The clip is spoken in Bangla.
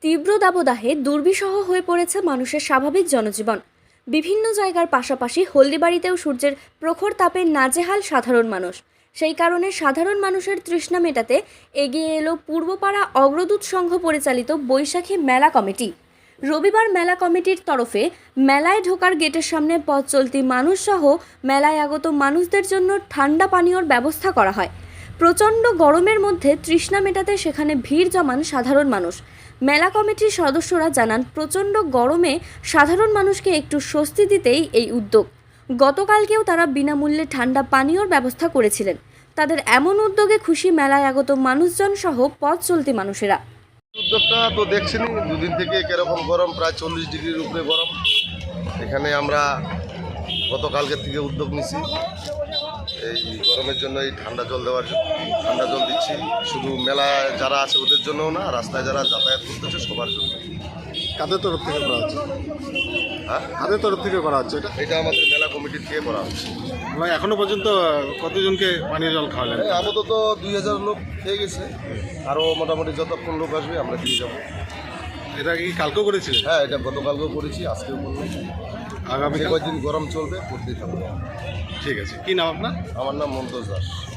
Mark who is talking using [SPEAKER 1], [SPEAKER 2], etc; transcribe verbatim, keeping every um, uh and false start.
[SPEAKER 1] তীব্র দাবদাহে দুর্বিষহ হয়ে পড়েছে মানুষের স্বাভাবিক জনজীবন। বিভিন্ন জায়গার পাশাপাশি হলদিবাড়িতেও সূর্যের প্রখর তাপে নাজেহাল সাধারণ মানুষ। সেই কারণে সাধারণ মানুষের তৃষ্ণা মেটাতে এগিয়ে এলো পূর্বপাড়া অগ্রদূত সংঘ পরিচালিত বৈশাখী মেলা কমিটি। রবিবার মেলা কমিটির তরফে মেলায় ঢোকার গেটের সামনে পথ চলতি মানুষসহ মেলায় আগত মানুষদের জন্য ঠান্ডা পানীয়র ব্যবস্থা করা হয়। প্রচণ্ড গরমের মধ্যে তৃষ্ণা মেটাতে সেখানে ভিড় জমান সাধারণ মানুষ। মেলা কমিটির সদস্যরা জানান, প্রচণ্ড গরমে সাধারণ মানুষকে একটু স্বস্তি দিতেই এই উদ্যোগ। গতকালকেও তারা বিনামূল্যে ঠান্ডা পানীয়র ব্যবস্থা করেছিলেন। তাদের এমন উদ্যোগে খুশি মেলায় আগত মানুষজন সহ পথ চলতি মানুষেরা।
[SPEAKER 2] উদ্যোগটা তো দেখছেনই, দুদিন থেকে কিরকম গরম, প্রায় চল্লিশ ডিগ্রির উপরে গরম। এখানে আমরা গতকালকের থেকে উদ্যোগ নিছি এই গরমের জন্য, এই ঠান্ডা জল দেওয়ার জন্য। ঠান্ডা জল দিচ্ছি শুধু মেলায় যারা আছে ওদের জন্যও না, রাস্তায় যারা যাতায়াত করতেছে সবার জন্য।
[SPEAKER 3] কাদের তরফ থেকে করা হচ্ছে?
[SPEAKER 2] হ্যাঁ,
[SPEAKER 3] কাদের তরফ থেকে করা হচ্ছে এটা?
[SPEAKER 2] এটা আমাদের মেলা কমিটির থেকে করা হচ্ছে।
[SPEAKER 3] মানে এখনো পর্যন্ত কতজনকে পানীয় জল খাওয়ালেন?
[SPEAKER 2] এই আপাতত দুই হাজার লোক খেয়ে গেছে, আরও মোটামুটি যতক্ষণ লোক আসবে আমরা দিয়ে যাবো।
[SPEAKER 3] এটা কি কালকেও করেছিলেন?
[SPEAKER 2] হ্যাঁ, এটা গতকালকেও করেছি, আজকেও করলাম।
[SPEAKER 3] আগামী
[SPEAKER 2] কয়েকদিন গরম চলবে, করতেই থাকবো।
[SPEAKER 3] ঠিক আছে। কি নাম আপনার?
[SPEAKER 2] আমার নাম মন্তোজ দাস।